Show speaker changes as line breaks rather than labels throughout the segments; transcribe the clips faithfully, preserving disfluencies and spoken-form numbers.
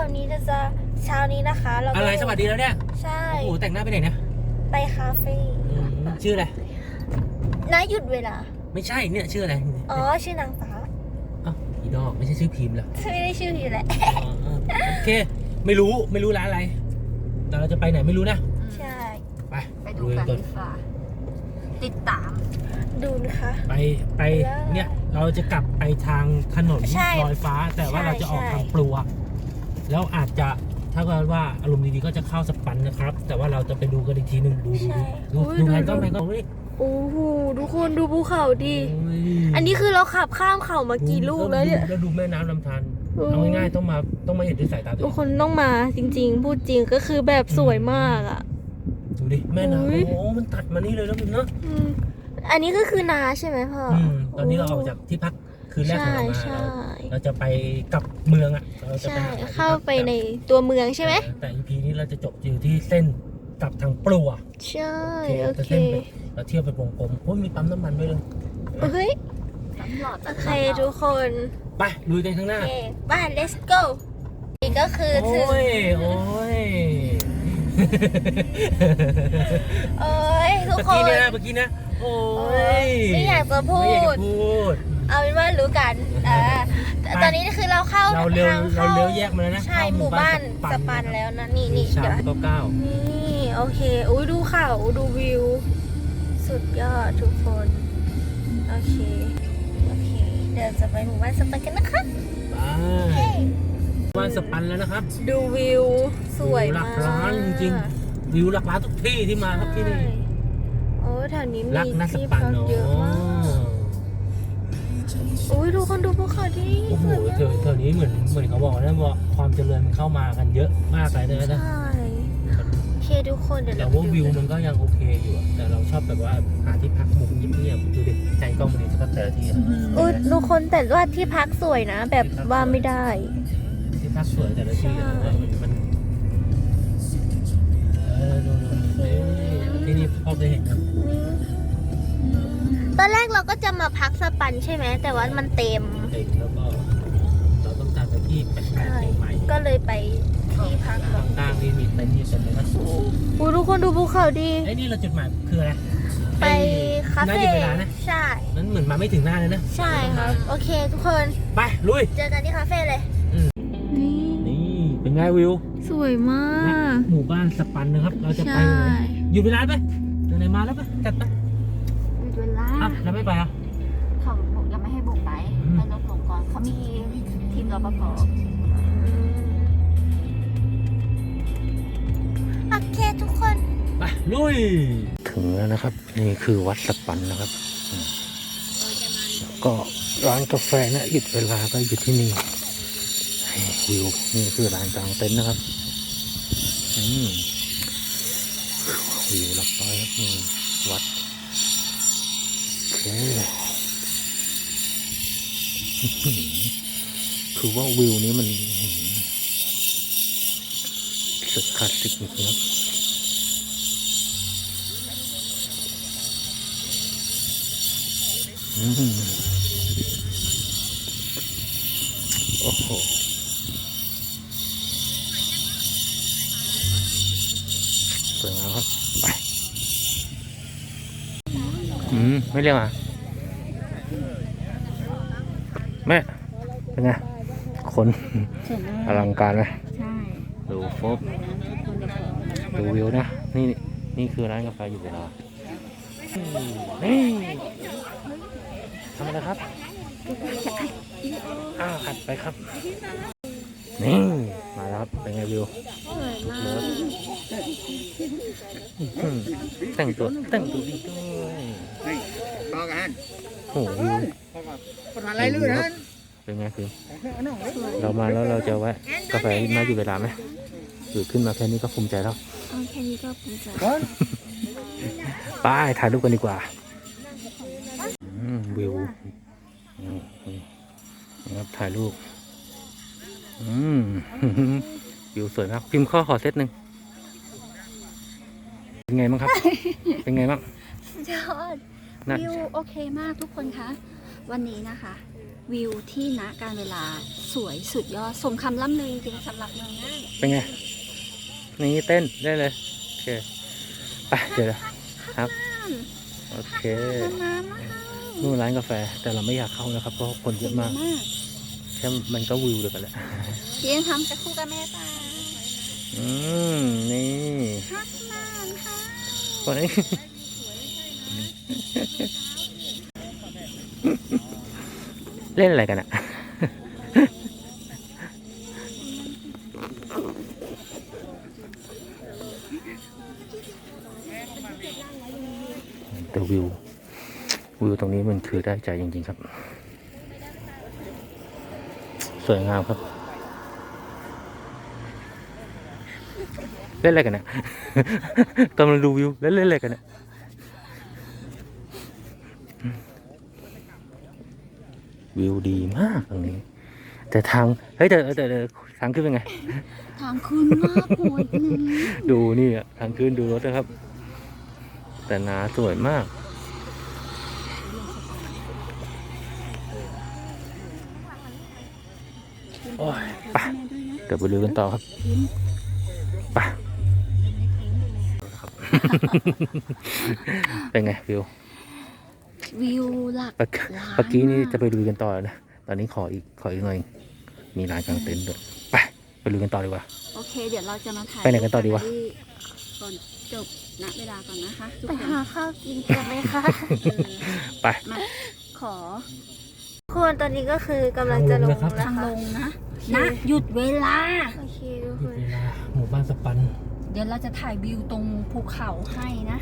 วันนี้จะจะเช้านี้นะคะเรา
อะไรสวัสดีแล้วเนี่ย
ใช่
โอ้โหแต่งหน้าไปไหนเนี่ย
ไปคาเฟ่
ชื่ออะไร
น้าหยุดเวลา
ไม่ใช่เนี่ยชื่ออะไร
อ๋อชื่อนางฟ้า
อ๋ออีดอกไม่ใช่ชื่อพิมพ์เหรอ
ไม่ได้ชื่ออยู่แหละ
โอเคไม่รู้ไม่รู้ร้านอะไรแต่เราจะไปไหนไม่รู้นะ
ใช่
ไป
ไปดูกันดีกว่าติดตาม
ดูนะคะ
ไปไปเนี่ยเราจะกลับไปทางถนนลอยฟ้าแต่ว่าเราจะออกทางปลัวแล้วอาจจะถ้าเกิดว่าอารมณ์ดีๆก็จะเข้าสปันนะครับแต่ว่าเราจะไปดูกันอีกทีหนึ่งดูดูดูดูแผนก็แผนก็นี่
โอ้โหทุกคนดูภูเขาดิอันนี้คือเราขับข้ามเขามากี่ลูกแล้วเนี่ย
แล้วดูแม่น้ำลำธารเอาง่ายๆต้องมาต้องมาเห็นด้วยสายตาตัวเอง
ทุกคนต้องมาจริงๆพูดจริงก็คือแบบสวยมากอ่ะ
ดูดิแม่น้ำโอ้โหมันตัดมานี่เลยแล้วมึงเนาะ
อันนี้ก็คือนาใช่ไหมพ่อ
ตอนนี้เราออกจากที่พักคืนแรกของเรามาเราจะไปกลับเมืองอ่ะเราจะไป
เข้าไปในตัวเมืองใช่ไหม
แต่ อี พี นี้เราจะจบอยู่ที่เส้นกลับทางปลัว
ใช่โอเค
เราเที่ยวไปวงกลมเพราะมีปั๊มน้ำมันด้วยเลย
เฮ้ยโอเคทุกคน
ไปลุยกันข้างหน้า
ไป let's go นี่ก็คือถึง
โอ้ยโอ้ย
โอ้ยทุกคน
เมื่อกี้นะเมื่อกี้นะโอ้ย
ไม่อยากจะพูดเอาเป็นว่ารู้กันอ่าตอนนี้คือเราเข้า
เราเลี้ยวเราเลี้ยวแยกมาแล้วนะ
ใช่หมู่บ้านสปันแล้วนะนี่นี่
เดี๋ยวเก้า
นี่โอเคอุ้ยดูเขาดูวิวสุดยอดทุกคนโอเคโอเคเดี๋ยวจะไปหมู่บ้านสปันกันนะคะ
ไปหมู่บ้านสปันแล้วนะครับ
ดูวิวสวยมาก
หลักล้านจริงๆวิวหลักล้านทุกที่ที่มาครับที่นี่
โอ้แถวนี้มีที่พักเยอะมากโอ้ยดูคนดูภูเขาดิ
โอ้โหเธอนี้เหมือนเหมือนเขาบอกนะว่าความเจริญมันเข้ามากันเยอะมากเลยนะ
ใช่โอเคทุกคนเดี๋ยว
แต่ว่าวิวมันก็ยังโอเคอยู่แต่เราชอบแบบว่าหาที่พักมุมเงียบๆดูดิใจกล้องมันดีสักแต่ละที
โอ้ยทุกคนแต่ว่าที่พักสวยนะแบบว่าไม่ได้
ที่พักสวยแต่ละทีมันเออดูที่นี่พ่อเคยเห็นครับ
ตอนแรกเราก็จะมาพักสปันใช่ไหมแต่ว่ามันเต็ม
เต็มแล้วก็เราต้องการไปที่แปลกๆใหม่
ก็เลยไปที่พัก
ต่างๆที่มีเต็นท์อยู่เต็มเลยนะ
โอ้ทุกคนดูภูเขาดี
ไอ้นี่เราจุดหมายคืออะไร
ไปคาเฟ่ใช่
นั้นเหมือนมาไม่ถึงหน้าเลยนะ
ใช่ครับโอเคทุกคน
ไปลุย
เจอกันที่คาเฟ่เลย
นี่เป็นไงวิว
สวยมาก
หมู่บ้านสปันนะครับเราจะไปหยุดเวลาไปไหนมาแล้วไปจัดไป
เวลา
แล้วไม่ไปอ่ะ
เขาบอกยังไม่ให้บุกไปให้รถลงก่อนเขามีทีมรปภ
โอเคทุกคน
ไปลุยถึงแล้วนะครับนี่คือวัดสปันนะครับก็ร้านกาแฟนะหยุดเวลาก็อยู่ที่นี่วิวนี่คือร้านกลางเต็นท์นะครับอืมวิวหลักร้อยครับนี่วัดคือว่าวิวนี้มันสุดคลาสสิกจริงๆครับโอ้โหสวยงามครับไปอืมไม่เรียกอ่ะแม่เป็นไงคนอลังการไหม
ใช่
ดูโฟบดูวิวนะนี่นี่คือร้านกาแฟอยู่เวลานี่ทำอะไรครับอ้าวอัดไปครับนี่มาแล้วครับเป็นไงวิวแต่งตัวแต่งตัวดีด้วยโอ้โหวิวเป็นไงคือเรามาแล้วเราจะแวะกาแฟมาอยู่เวลาไหมหรือขึ้นมาแค่นี้ก็ภูมิใจแล้ว
แค่นี้ก็ภูมิใจ
ไปถ่ายรูปกันดีกว่าวิวนะครับถ่ายรูปวิวสวยมากพิมพ์ข้อขอเซตหนึ่งเป็นไงบ้างครับเป็นไงบ้าง
ยอดวิวโอเคมากทุกคนคะวันนี้นะคะวิวที่ณการเวลาสวยสุดยอดสมคำล่ำลือจริงๆสำหรับเมืองน่าน
เป็นไง นี่เต้นได้เลย โอเค ไป เดี๋ยวครับ โอเค นู่นร้านกาแฟ แต่เราไม่อยากเข้านะครับ เพราะคนเยอะมาก แค่มันก็วิวเดียวกันแหละ
เพียงทำกับคู่กับแม่จ้า
อืม นี่
ฮักนานค่ะ
คนนี้ เล่นอะไรกันอะแต่วิว วิวตรงนี้มันคือได้ใจจริงๆครับ สวยงามครับ เล่นอะไรกันเนี่ยกำลังดูวิวแล้วเล่นอะไรกันเนี่ยวิวดีมากตรงนี้ แต่ทางเฮ้ยแต่แต่ทางขึ้นเป็นไง
ทางขึ้นมากโหดเลย
ดูนี่อะทางขึ้นดูรถนะครับ แต่หนาสวยมากโอ้ยไปเดี๋ยวไปดูกันต่อครับไปเป็นไงวิว
วิวหลัก
เมื่อกี้นี่จะไปดูกันต่อนะตอนนี้ขออีกขออีกหน่อยมีร้านกางเต็นท์ด้วยไปไปดูกันต่อดีกว่า
โอเค เดี๋ยวเราจะมาถ่าย
ไปไหนกันต่อดีวะ
ก่อนจบณเวลาก่อนนะคะทุก
ไป
คน
หาข้าวกินกันไหมคะ
ไป
มาขอ
คนตอนนี้ก็คือกำลังจะลง
ทางลงนะครับ
นะ
ทาง
คะ
ลงนะณหยุดเวลา
โอเคทุก
ห
ค
ยุด
น
เวลาหมู่บ้านสปัน
เดี๋ยวเราจะถ่ายวิวตรงภูเขาให้นะ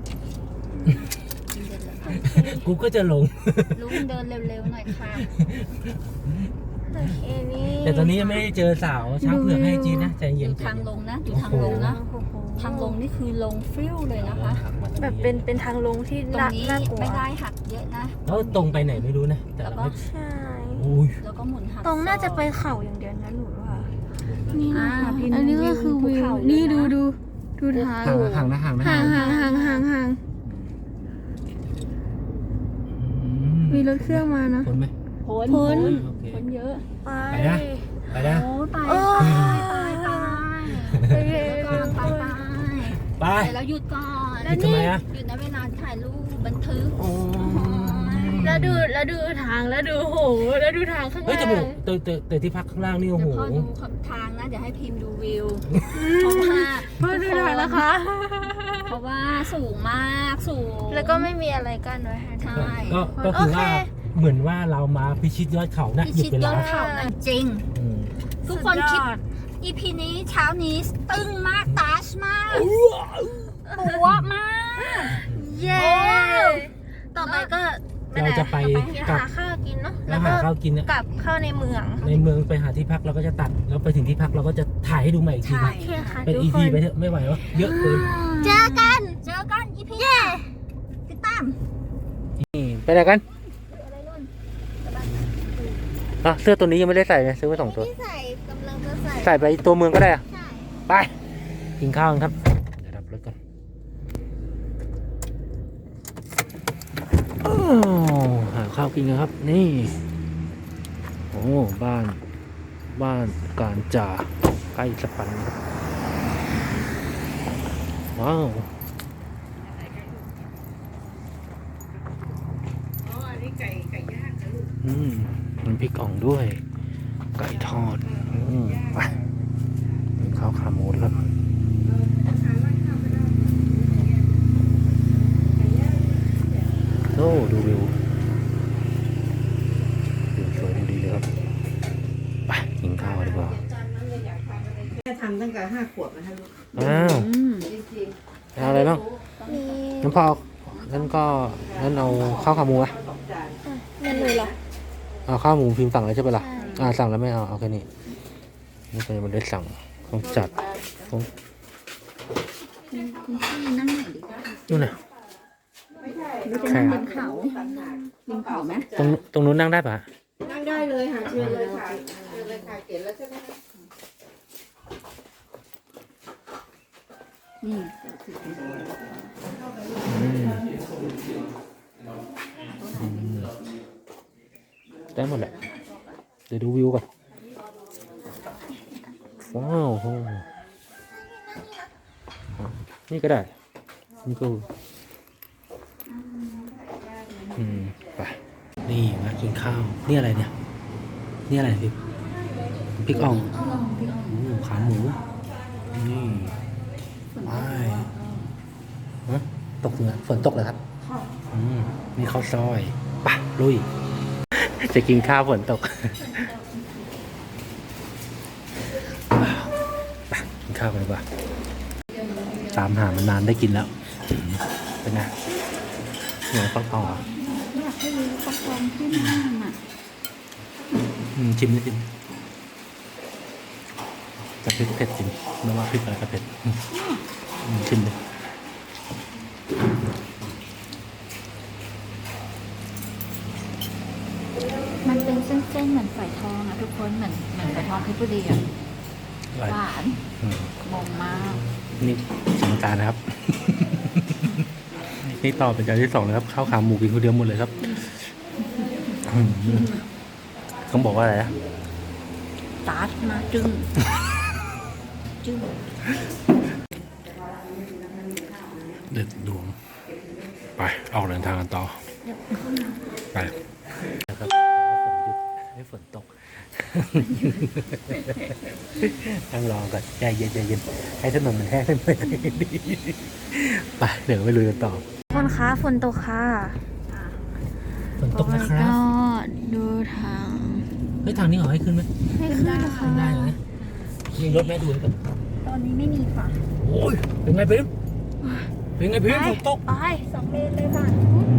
เดินเลยค่ะ
กูก็จะลง
ลุงเดินเร็วๆหน่อยค่ะ
โอเคนี่
แต่ตอนนี้ยังไม่ได้เจอสาวช้างเผือกให้จีนนะใจ
อ
เย็น
ยู่
ใจ
ทาง
เย็น
ลงนะอยู่ทางลงนะ
โอ้โห
ทางลงนี่คือลงฟิวเลยนะคะ
แบบเป็นเป็นทางลงที่
ตรง
น่า
นี้
น่ากลัว
ไม่ได้หักเยอะนะ
แล้วตรงไปไหนไม่รู้นะแต่เราไม่
ใช่
อุ้ย
แล้วก็หมุนหัก
ตรงน่าจะไปเขาอย่างเดียวนะหนูว่า
นี่นะ
อันนี้ก็คือวิวนี่ดูดูดูทาง
ห่างห่างนะห่างนะ
ห่างห่างห่างห่างห่าง
อื
มีรถเครื่องมานะ
พ้นไหม
พ้น
พ้น
โอเค
พ้นเยอะ
ไป
ไปนะ ไปนะ
โอ้ยไป
โอ้
ไป
ย
ไปไป
โอเค
เดี๋ยวก่อนไปไป
ไป
เดี๋ยวเราหยุดก่อน
หยุดทำไมอะ
หยุดนะเวลาถ่ายรูปบันทึก
โอ้
แล้วดูแล้วดูทางแล้วดูโหแล้วดูทางข้าง
เฮ้ย
ล่า
แต่ผม
ง
แต่แต่แต่ที่พักข้างล่างนี่โอ้
เดี๋
โห
ยวพ่อดูทางนะเดี๋ยวให้พิมพ์ดูวิวเพราะว่า
พ่อดูทางนะคะ
เพราะว่าสูงมากสูง
แล้วก็ไม่มีอะไรกั้นไว้ให้
ใช่
ก็ก็คือว่า
โอเค
เหมือนว่าเรามาพิชิตยอดเขานะ
พิ
หยุด
ชิต
เวย
อ
ลา
ดเขานะจริง
อืม
ทุกคนคิด อี พี นี้เช้านี้ตึงมากตาชมากปัวมาก
เย้ ต่อไปก็
เราจะไป
ก
กลั
ลั
บบ
ข้าวกินเนาะ
แล้
แล้ว ว
หา
ก็
ข้าวกินเนี่ย
กลับเข้าในเมือง
ในเมืองไปหาที่พักเราก็จะตัดแล้วไปถึงที่พักเราก็จะถ่ายให้ดูใหม่อีกที
ใช่
นะ
โอเคค่ะ
เป็น
ทุก
อี
ค
พี
น
ไปเถอะไม่ไหววะเยอะเกิน
เจอกัน
เจอกัน อี พี ติดตาม
นี่ไปไหนกันอ่ะเสื้อตัวนี้ยังไม่ได้ใส่เลยซื้อมาสองตัว
ที่ใส่กำลังจะใส่
ใส่ไปตัวเมืองก็ได้อะ
ใช่
ไปกินข้าวกันครับเดี๋ยวดับรถก่อนอ้าวหาข้าวกินกันครับ นี่โอ้บ้านบ้านการจ่าใกล้สปันว้าวอืมมันพริกอ่องด้วย ไก่ทอดอืมไปกินข้าวขาหมูครับ โอ้ดูวิววิวสวยดูดีเลยครับ ไปกินข้าวดีกว่า
แม่ทำตั้งแต่ห้าขวบนะคะลูก
อ้าวเอาอะไรบ้าง
มี
น้ำพองั้นก็งั้นเอาข้าวขาหมูอะ
เมนูเหรอ
เอาข้าวหมูพิมพ์สั่งแล้วใช่ปะล่ะ
ใช่
อ่าสั่งแล้วไม่เอาเอาแค่นี้นี่ก็ยังไม่ได้สั่งต้องจัดต้อง
คุณพี่นั่งไหนดีคะ
นู่นน่ะ
เราจะนั่งบนเขาบนเขาไหม
ตรงตรงนู้นนั่งได้ปะ
นั่งได้เลยค่ะเชิญเลยค่ะเชิญเลยค่ะเขียนแล้วใช่ไหมคะ
นี่
อืมอืมได้หมดแหละเดี๋ยวดูวิวก่อนว้าวโหนี่ก็ได้นี่ก็อืมไปนี่มากินข้าวนี่อะไรเนี่ยนี่อะไรพี่พริกอ่องอืมขาหมูนี่ไปฮะตกเหนือฝนตกเลยครับอืมนี่ข้าวซอยไปลุยจะกินข้าวฝนตกไปกินข้าวกันดีกว่าตามหามันนานได้กินแล้วเป็นไงเหนือฟักทองเหรอ
อยากให้รู้ฟักทองที่นั่นอ่ะ
อืมชิมนิดนึงจะพริกเผ็ดจริงไม่ว่าพริกอะไรก็เผ็ดอืมอืมชิมเลย
มันเป็นเส้นๆเหมือนฝอยทองอะทุกคนเหมือนเหมือนฝอยทองเพชรบุรีอะ
อะไร
หวาน
อืม
งงมาก
นี่สมการนะครับ นี่ต่อเป็นจานที่สองนะครับข้าวขาหมูกินคนเดียวหมดเลยครับอืมต้องบอกว่าอะไรนะ
ตาร์ทมาจึ้งจึ้ง
เด็ดดวงไปออกเดินทางกันต่อไปนะครับให้ฝนตกนั่งรอก่อนใจเย็นใจเย็นให้ถนนมันแห้งไปไปเดี๋ยวไปลุยกันต่อ
คนคะฝนตกค่ะ
ฝนตกนะครับ
ก็ดูทาง
เฮ้ยทางนี้เหรอให้ขึ้นไหม
ให้ขึ้นค่ะ
ขึ้นได้เหรอเนี่ยมีรถแม่ดูเลยกัน
ตอนนี้ไม่มีค่ะ
โอ้ยเป็นไงพิมเป็นไงพิมฝนตก
ไปสองเลนเลยค่ะ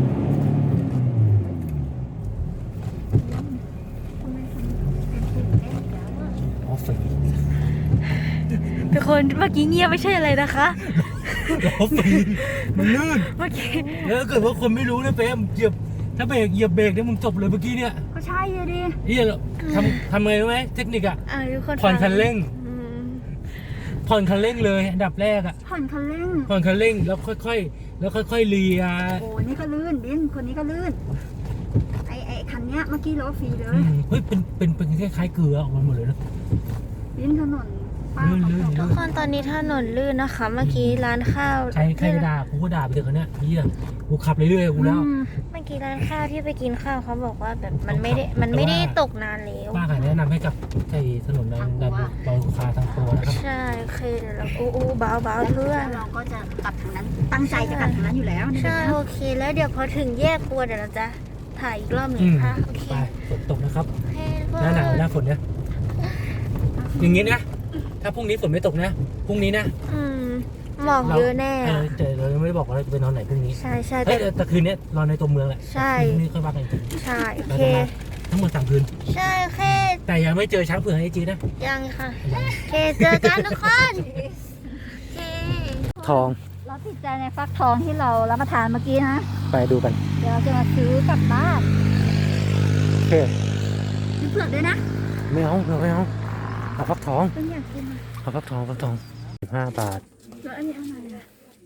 ทำไมทำเป็นตื่นเต้นอีกแล้วอะ
อ๋อฝน
ทุกคนเมื่อกี้เงียบไม่ใช่อะไรนะคะ
ล้อฝนมันลื่น
เมื่อกี้
แล้วถ้าเกิดว่าคนไม่รู้นะเฟมเหยียบถ้าเบรกเหยียบเบรกเนี่ยมึงจบเลยเมื่อกี้เนี่ย
ก็ใช่เลยดิ
เฮียทำทำไงรู้ไหมเทคนิคอะ
อ่าทุกคน
ผ่อนคันเร่ง
อืม
ผ่อนคันเร่งเลยอันดับแรกอะ
ผ่อนคันเร่ง
ผ่อนคันเร่งแล้วค่อยๆแล้วค่อยๆเลีย
โอ้นี่ก็ลื่นบินคนนี้ก็ลื่นไอไอคันเนี้ยเมื่อกี้ล้อฟรีเล
อื
ย
มเฮ้ยเป็นเป็นเป็นคล้ายๆเกลือออกมาหมดเลยนะ
บินถนนป้า
ลื่นลื่น
ทุกคนตอนนี้ถนนลื่นนะคะ เมื่อกี้ร้านข้าว
ใครใครจะด่ากูก็ด่าไปเถอะคนเนี้ยเฮียกูขับเรื่อยๆกูแล้ว
อืม
เมื่อกี้ร้านข้าวที่ไปกินข้าวเขาบอกว่าแบบมันไม่ได้
แต่ว่า
มันไม่ได้ตกนานแล้ว
ป้าขายแนะนำให้กับไอ้ถนนดันดันเบาคาทางโปรนะครับ
ใช่โอเคเดี๋ยวเราอู้อู้เบาเบาเพื่อน
แล้วเราก็จะกลับทางนั้น ตั้งใจจะกลับทางนั้นอยู่แล้วนี่
ใช่
นะ
โอเค แล้วเดี๋ยวพอถึงแยกครัวเดี๋ยวเราจะถ่ายอีกรอบหนึ่
อื
ง
ม
ค่ะโอเค
ไปฝนตกนะครับ
โอเคทุกค
หน้าหนาวหน้าฝนเนี่ยอย่างงี้นะถ้าพรุ่งนี้ฝนไม่ตกนะพรุ่งนี้นะ
อืมหมอกเยอะแน่
เออแต่เรายังไม่ได้บอกว่าเราจะไปนอนไหนพรุ่งนี้
ใช่ใช่
เฮ้
แต่
ยแต่คืนนี้นอนในตัวเมืองแหละ
ใช่
พรุ่งนี้ค่อยว่ากันอีกที
ใช่โอ
เรา
เค
จะมาทั้งหมดสามคืน
ใช่โอเค
แต่ยังไม่เจอช้างเผือกไอจีนะ
ยังค่ะโอเคเจอกันทุกคนโอเค
ทอง
เราติดใจในฟักทองที่เรารับประทานเมื่อกี้นะ
ไปดูกัน
เดี๋ยวเราจะมาซื้อกลับบ้าน
โอเค
ซื้อเผือกด้วยนะ
ไม่เอาไม่เอาเอาฟักทอง
เป็นอยากกินอะ
เอาฟักทองฟักทองสิบห้าบาท
แล้วอันนี้อะไรอะ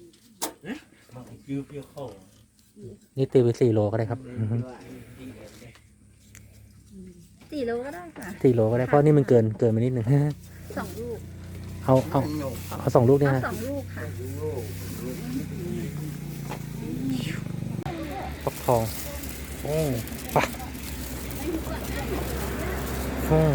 นี่ตีไปสี่โลก็ได้ครับอือฮึ
สี่โลก็ได้ค่ะ
สี่โลก็ได้เพราะนี่มันเกินเกินมานิดหนึ่ง
สองลูก
เอาเอาเอาสองลูกเนี่ย
เอา
นะ
สองลูกค่ะ
ฟักทองโอ้ปะโอ้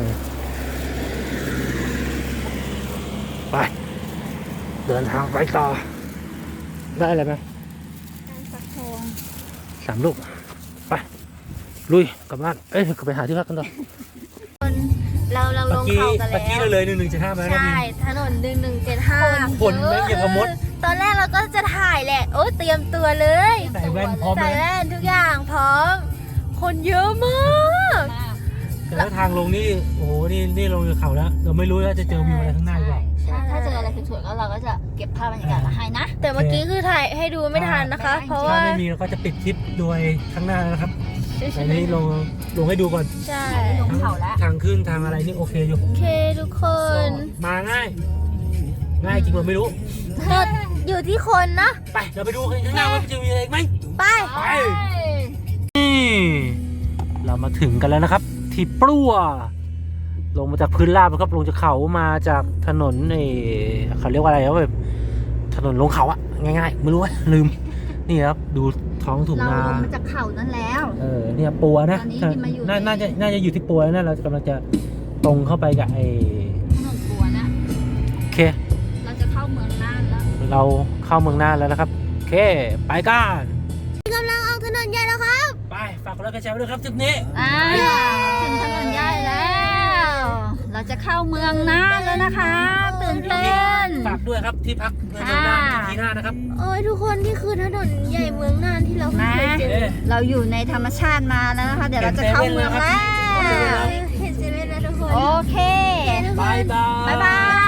ไปเดินทางไปต่อ ได้อะไรไหม
การฟักทอง
สามลูก ไป ลุยกลับบ้าน เอ้ยกลับไปหาที่พักกันต่อ
เราเราลงเขากัน
เมื่อกี้
แล้
เรา
ว
เลยหนึ่งหนึ่งเจ็ดห้ามาแล้ว
ใช่ถนนหนึ่งหนึ่งเจ็ดห้า
ฝนแม่งอย่างกับมด
ตอนแรกเราก็จะถ่ายแหละ โอ้เตรียมตัวเลย
ใส่แว่นพร้อม
ใส่
เลย
แว่นทุกอย่างพร้อม คนเยอะมาก
แต่ว่าทางลงนี่ โอ้โห นี่นี่ลงจากเขาแล้ว เราไม่รู้ว่าจะเจอวิวอะไรข้างหน้าหรือเปล่า
ถ้าเจออะไรสวยๆก็เราก็จะเก็บภาพบรรยากาศมาให้นะ
แต่เมื่อกี้คือถ่ายให้ดูไม่ทันนะคะ เพราะ
ถ้า
ว่า
ไม่มีเราก็จะปิดคลิปโดยข้างหน้านะครับแต่นี้ลงลงให้ดูก่อน
ใช่
ลงเขาแล้ว
ทางขึ้นทางอะไรนี่โอเคอยู่
โอเคทุกคน
มาง่าย ง่ายจริงเราไม่รู้
ก็อยู่ที่คนนะ
ไป เราไปดูข้างหน้าว่าจะมีอะไรอีกไหม
ไป
ไป นี่เรามาถึงกันแล้วนะครับที่ปลัวลงมาจากพื้นราบนะครับลงจากเขามาจากถนนไอ้เขาเรียกว่าอะไรครับแบบถนนลงเขาอะง่ายๆไม่รู้ว่าลืมนี่ครับดูท้องถุง
เรา
นา
ลงมาจากเขานั้นแล้ว
เออเนี่ยปัวนะ
ตอนนี้ที่มาอยู่
น่า
ใน
น่าจะน่าจะอยู่ที่ปัวแล้วนะเรากำลังจะตรงเข้าไปกับไอ้
ถนนปัวนะ
โอเค
เราจะเข้าเมืองน่านแล้ว
เราเข้าเมืองน่านแล้วนะครับโอเคไปกัน
กำลังออกถนนใหญ่แล้วครับ
ไปฝากกดไลค์กดแชร์ไว้ด้วยครับทริปนี้
อ่าถึงถนนใหญ่แล้ว เราจะเข้าเมืองน่านแล้วนะคะตื่นเต้น
ฝากด้วยครับที่พักเมืองน่านที่หน้านะครับ
โอ้ยทุกคนนี่คือถนนใหญ่เมืองน่านที่เราเคยเจอ
เอ๊ะ
เราอยู่ในธรรมชาติมาแล้วนะคะ เดี๋ยวเราจะเข้าเมืองแล้ว
เห็นเซเว่นแล้วทุกคน
โอเค
บายบาย
บ๊ายบาย